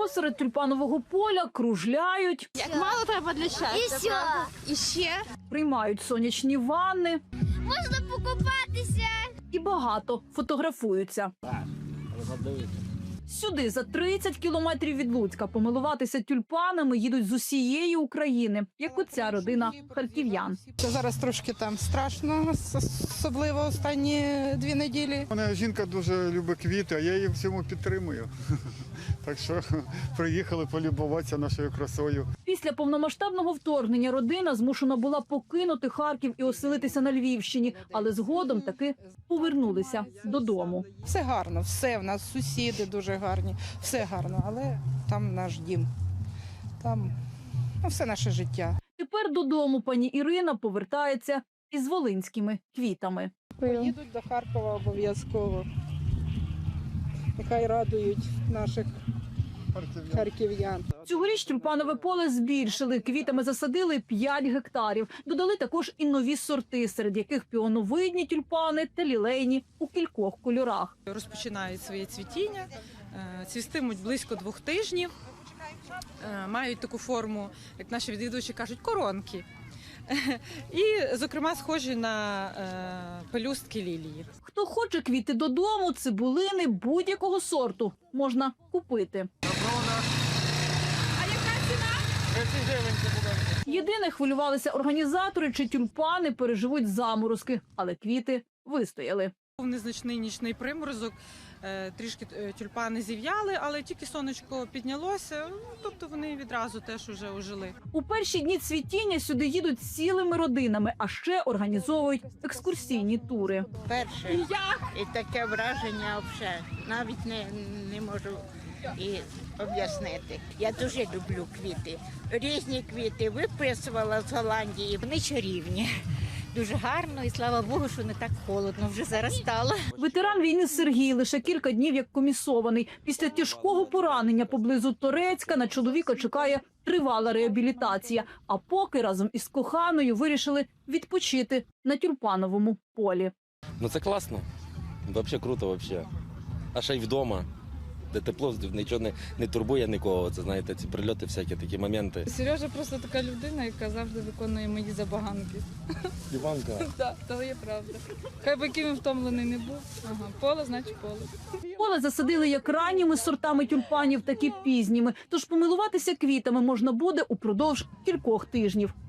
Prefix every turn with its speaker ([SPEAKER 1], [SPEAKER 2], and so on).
[SPEAKER 1] Посеред тюльпанового поля кружляють,
[SPEAKER 2] Як мало треба для щастя. І ще.
[SPEAKER 1] приймають сонячні ванни
[SPEAKER 2] Можна покупатися.
[SPEAKER 1] і багато фотографуються. Сюди за 30 кілометрів від Луцька помилуватися тюльпанами їдуть з усієї України, як оця родина харків'ян.
[SPEAKER 3] Це зараз трошки там страшно, особливо останні 2 неділі.
[SPEAKER 4] У мене жінка дуже любить квіти, а я її в цьому підтримую. Так що приїхали полюбуватися нашою красою.
[SPEAKER 1] Після повномасштабного вторгнення родина змушена була покинути Харків і оселитися на Львівщині, але згодом таки повернулися додому.
[SPEAKER 3] Все гарно, все, в нас сусіди дуже гарні, все гарно, але там наш дім, там все наше життя.
[SPEAKER 1] Тепер додому пані Ірина повертається із волинськими квітами.
[SPEAKER 3] Поїдуть до Харкова обов'язково. Нехай радують наших харків'ян.
[SPEAKER 1] Цьогоріч тюльпанове поле збільшили, квітами засадили 5 гектарів. Додали також і нові сорти, серед яких піоновидні тюльпани та лілейні у кількох кольорах.
[SPEAKER 5] Розпочинають своє цвітіння, цвістимуть близько 2 тижнів, мають таку форму, як наші відвідувачі кажуть, коронки. І, зокрема, схожі на пелюстки лілії.
[SPEAKER 1] Хто хоче квіти додому, цибулини будь-якого сорту можна купити. Єдине, хвилювалися організатори, чи тюльпани переживуть заморозки, але квіти вистояли.
[SPEAKER 5] Був незначний нічний приморозок, трішки тюльпани зів'яли, але тільки сонечко піднялося, тобто вони відразу теж уже ожили.
[SPEAKER 1] У перші дні цвітіння сюди їдуть цілими родинами, а ще організовують екскурсійні тури.
[SPEAKER 6] Перше. І таке враження взагалі навіть не можу і об'яснити. Я дуже люблю квіти. Різні квіти виписувала з Голландії.
[SPEAKER 7] Вони чарівні. Дуже гарно і слава Богу, що не так холодно вже зараз стало.
[SPEAKER 1] Ветеран війни Сергій лише кілька днів як комісований. Після тяжкого поранення поблизу Торецька на чоловіка чекає тривала реабілітація. А поки разом із коханою вирішили відпочити на тюльпановому полі.
[SPEAKER 8] Ну це класно. Взагалі круто, взагалі. А ще й вдома, де тепло, нічого не турбує нікого. Це, знаєте, ці прильоти, всякі такі моменти.
[SPEAKER 9] Сережа просто така людина, яка завжди виконує мої забаганки.
[SPEAKER 8] Іванка.
[SPEAKER 9] Так, то є правда. Хай би яким він втомлений не був. Ага, поле, значить поле.
[SPEAKER 1] Поле засадили як ранніми сортами тюльпанів, так і пізніми. Тож помилуватися квітами можна буде упродовж кількох тижнів.